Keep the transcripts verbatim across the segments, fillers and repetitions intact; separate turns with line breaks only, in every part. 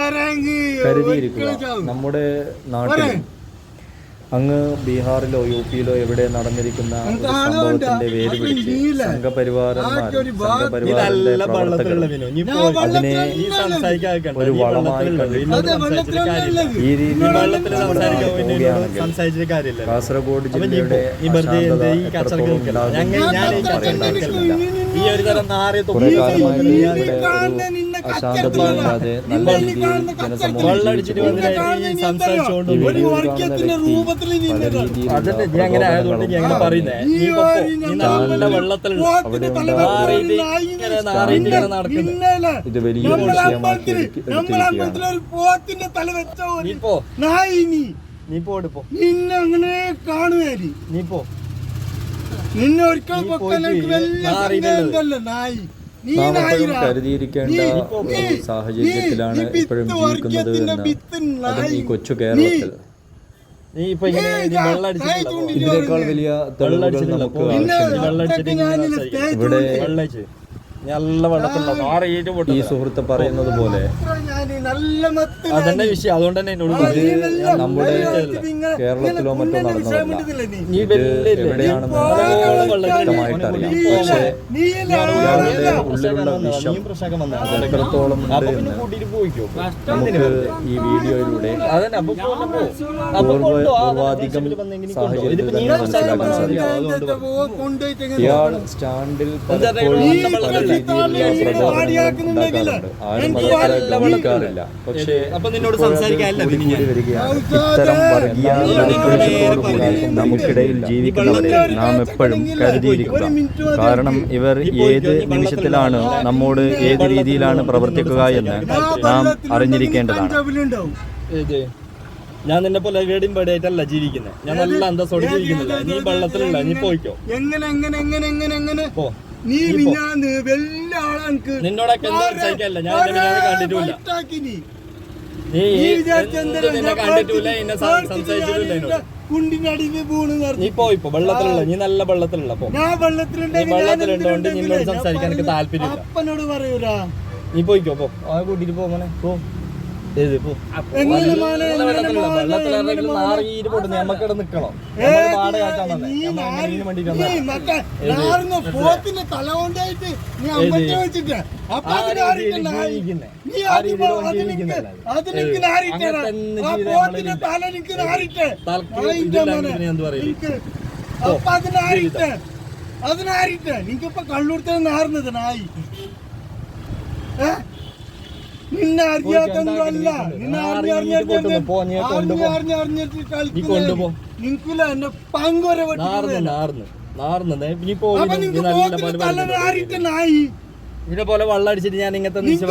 കരുതിയിരിക്കുക. നമ്മുടെ നാട്ടിൽ അങ്ങ് ബീഹാറിലോ യു പിയിലോ എവിടെ നടന്നിരിക്കുന്ന ഒരു സംഭവത്തിന്റെ വേര് പിടിച്ച് സംഘപരിവാരന്മാർ സംഘപരിവാറിന്റെ പ്രവർത്തകർ അതിനെ ഒരു വളമായി കണ്ടിട്ട് ഈ രീതിയിൽ പോവുകയാണെങ്കിൽ കാസർഗോഡ് ജില്ലയുടെ എത്രത്തോളം ഉണ്ടാകും
ഈ ഒരു തരം
കുറെ കാലമായിട്ട് ഇവിടെ ഒരു അശാന്തതയില്ലാതെ നല്ല രീതിയിൽ ജനസമൂഹം ഇത് വലിയ വിഷയമാക്കി
നിന്നെ കാണുവേ നീ പോ നിന്നെ ഒരിക്കൽ
നാം എപ്പോഴും കരുതിയിരിക്കേണ്ട സാഹചര്യത്തിലാണ് ഇപ്പോഴും ജീവിക്കുന്നത് എന്ന് അതും ഈ കൊച്ചു കേരളത്തിൽ. ഇതിനേക്കാൾ വലിയ തെളിവുകൾ നമുക്ക് ആവശ്യമില്ല. ഇവിടെ
നല്ല വെള്ളത്തിലുള്ള
ഈ സുഹൃത്ത് പറയുന്നത് പോലെ
അതന്നെ വിഷയം. അതുകൊണ്ട് തന്നെ എന്നോട്
നമ്മുടെ കേരളത്തിലോ മറ്റോ നടന്നതല്ല. എവിടെയാണെന്ന് വ്യക്തമായിട്ട് അറിയാം. പക്ഷേ ഇയാളുടെ ഉള്ളിലുള്ള വിഷം എത്രത്തോളം ഉണ്ട് എന്ന് നമുക്ക് ഈ വീഡിയോയിലൂടെ പൂർവാധികം സാഹചര്യത്തിൽ തന്നെ മനസ്സിലാക്കാൻ സാധിക്കും. ഇയാൾ സ്റ്റാൻഡിൽ പലപ്പോഴും പക്ഷേ ഇത്തരം വർഗീയ നമുക്കിടയിൽ ജീവിക്കുന്നവരെ നാം എപ്പോഴും കരുതിയിരിക്കുക. കാരണം ഇവർ ഏത് നിമിഷത്തിലാണ് നമ്മോട് ഏത് രീതിയിലാണ് പ്രവർത്തിക്കുക എന്ന് നാം അറിഞ്ഞിരിക്കേണ്ടതാണ്.
ഞാൻ നിന്നെ പോലെ ഗേഡിയും പേടിയായിട്ടല്ല ജീവിക്കുന്നത്. ഞാൻ നല്ല അന്തസ്സോടെ ജീവിക്കുന്നില്ല. നീ വെള്ളത്തിലുള്ള നീ പോയിക്കോ. എങ്ങനെ എങ്ങനെ എങ്ങനെ എങ്ങനെ എങ്ങനെ പോ. നീ മിഞ്ഞാന്ന് വലിയ ആളാണ്. നിന്നോടൊക്കെ സഹിക്കല്ല. ഞാൻ കണ്ടിട്ടില്ല. നീ നിന്നെ കണ്ടിട്ടില്ല. എന്നെ സംസാരിച്ചിട്ടില്ല. നീ പോയിപ്പോ വെള്ളത്തിലുള്ള നീ നല്ല വെള്ളത്തിലുള്ള പോ. നീ വെള്ളത്തിലുണ്ടോണ്ട് നിന്നോട് സംസാരിക്കാൻ എനിക്ക് താല്പര്യമില്ല. അപ്പനോട് പറയൂല. നീ പോയിക്കോ പോ. ആ കൂട്ടിട്ട് പോ മോനെ പോ. നമ്മക്കിടെ നിക്കണോ?
അതിനാരിട്ടെ നിനക്കിപ്പോ കള്ളൂർത്തെ നാറുന്നത് നായി. നിന്നെ അറിയാത്തൊന്നുമല്ല. നിന്നെ അറിഞ്ഞറിഞ്ഞിട്ട് നിനക്കില്ല എന്നെ പങ്കുവരെ നായി
ഇതിനെ പോലെ വെള്ളം അടിച്ചിട്ട് ഞാൻ ഇങ്ങനത്തെ നീ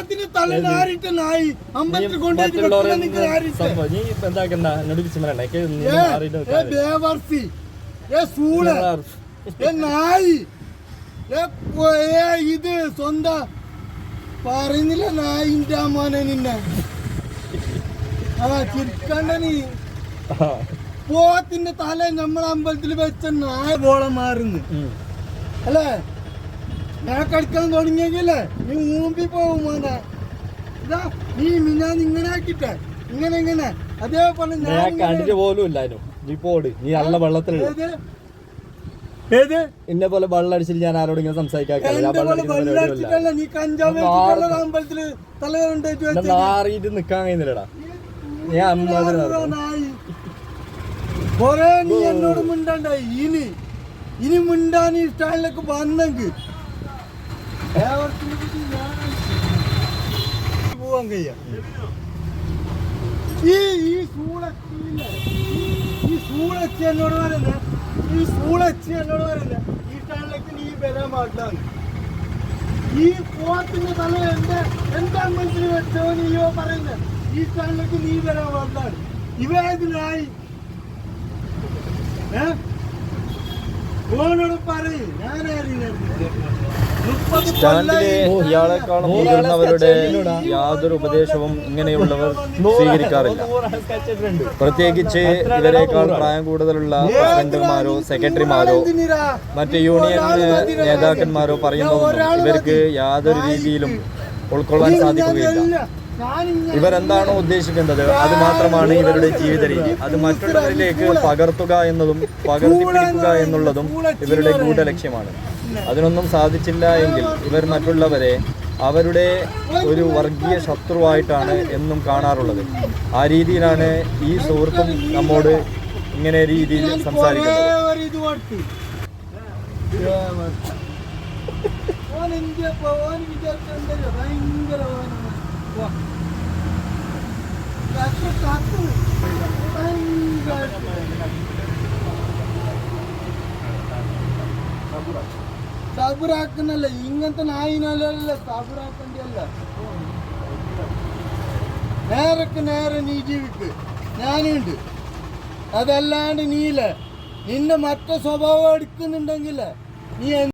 എന്താക്കണ്ട എന്നോട്
ഇത് സ്വന്തം പറയുന്നില്ല നായിന്റെ മോനെ നിന്നെ. ആ ചിരിക്കണ്ട നീ. പോത്തിന്റെ തല നമ്മളെ അമ്പലത്തിൽ വെച്ച നായ ബോളം മാറുന്നു അല്ലേ? ഞാൻ കളിക്കാൻ തുടങ്ങിയെങ്കിലേ നീ ഊമ്പി പോകും മോനെ. ഇതാ നീ മിന്നാന്ന് ഇങ്ങനെ ആക്കിട്ടെ ഇങ്ങനെ ഇങ്ങനെ അതേപോലെ
ഞാൻ കണ്ടിട്ട് പോലും ഇല്ലായിരുന്നു. നീ പോട്. നീ നല്ല വെള്ളത്തിലുള്ള എന്നെ പോലെ വെള്ളം അടിച്ചിട്ട് ഞാൻ ആരോട് ഇങ്ങനെ സംസാരിക്കാറിയിട്ട് നിക്കാൻ കഴിയുന്നില്ലടാ. ഞാൻ
കൊറേ നീ എന്നോട് മിണ്ടാണ്ടായി. ഇനി ഇനി മിണ്ടാൻ ഈ സ്റ്റാൻഡിലേക്ക് വന്നെങ്കിൽ പോവാൻ കഴിയ. ഈ ഈ സൂളച്ചില്ല ഈ സൂളച്ചി എന്നോട് പറയുന്നത് ഈ സൂളച്ചി എന്നോട് പറയുന്നത് ഈ സ്റ്റാൻഡിലേക്ക് നീ വരാൻ പാടില്ലാണ്. ഈ പോത്തിന്റെ തല എന്റെ എന്റെ അമ്പലത്തിൽ വെച്ചോ നീയോ പറയുന്നത് ഈ സ്റ്റാൻഡിലേക്ക് നീ വരാൻ പാടില്ലാണ്. ഇവനായി ഏ ഓനോട് പറയും
സ്റ്റാൻഡിലെ ഇയാളെക്കാളും മുതിർന്നവരുടെ യാതൊരു ഉപദേശവും ഇങ്ങനെയുള്ളവർ സ്വീകരിക്കാറില്ല. പ്രത്യേകിച്ച് ഇവരെക്കാൾ പ്രായം കൂടുതലുള്ള പ്രസിഡന്റുമാരോ സെക്രട്ടറിമാരോ മറ്റ് യൂണിയൻ നേതാക്കന്മാരോ പറയുന്നതൊന്നും ഇവർക്ക് യാതൊരു രീതിയിലും ഉൾക്കൊള്ളാൻ സാധിക്കുകയില്ല. ഇവരെന്താണോ ഉദ്ദേശിക്കുന്നത് അത് മാത്രമാണ് ഇവരുടെ ജീവിത രീതി. അത് മറ്റുള്ളവരിലേക്ക് പകർത്തുക എന്നതും പകർത്തിപ്പിടിക്കുക എന്നുള്ളതും ഇവരുടെ ഗൂഢലക്ഷ്യമാണ്. അതിനൊന്നും സാധിച്ചില്ല എങ്കിൽ ഇവർ മറ്റുള്ളവരെ അവരുടെ ഒരു വർഗീയ ശത്രുവായിട്ടാണ് എന്നും കാണാറുള്ളത്. ആ രീതിയിലാണ് ഈ സുഹൃത്തും നമ്മോട് ഇങ്ങനെ രീതിയിൽ സംസാരിക്കുന്നത്.
സബുറാക്കുന്നല്ല, ഇങ്ങനത്തെ നായിനല്ല സബുറാക്കണ്ടല്ല. നേരക്ക് നേരെ നീ ജീവിക്ക്, ഞാനുണ്ട്. അതല്ലാണ്ട് നീല നിന്റെ മറ്റേ സ്വഭാവം എടുക്കുന്നുണ്ടെങ്കിൽ നീ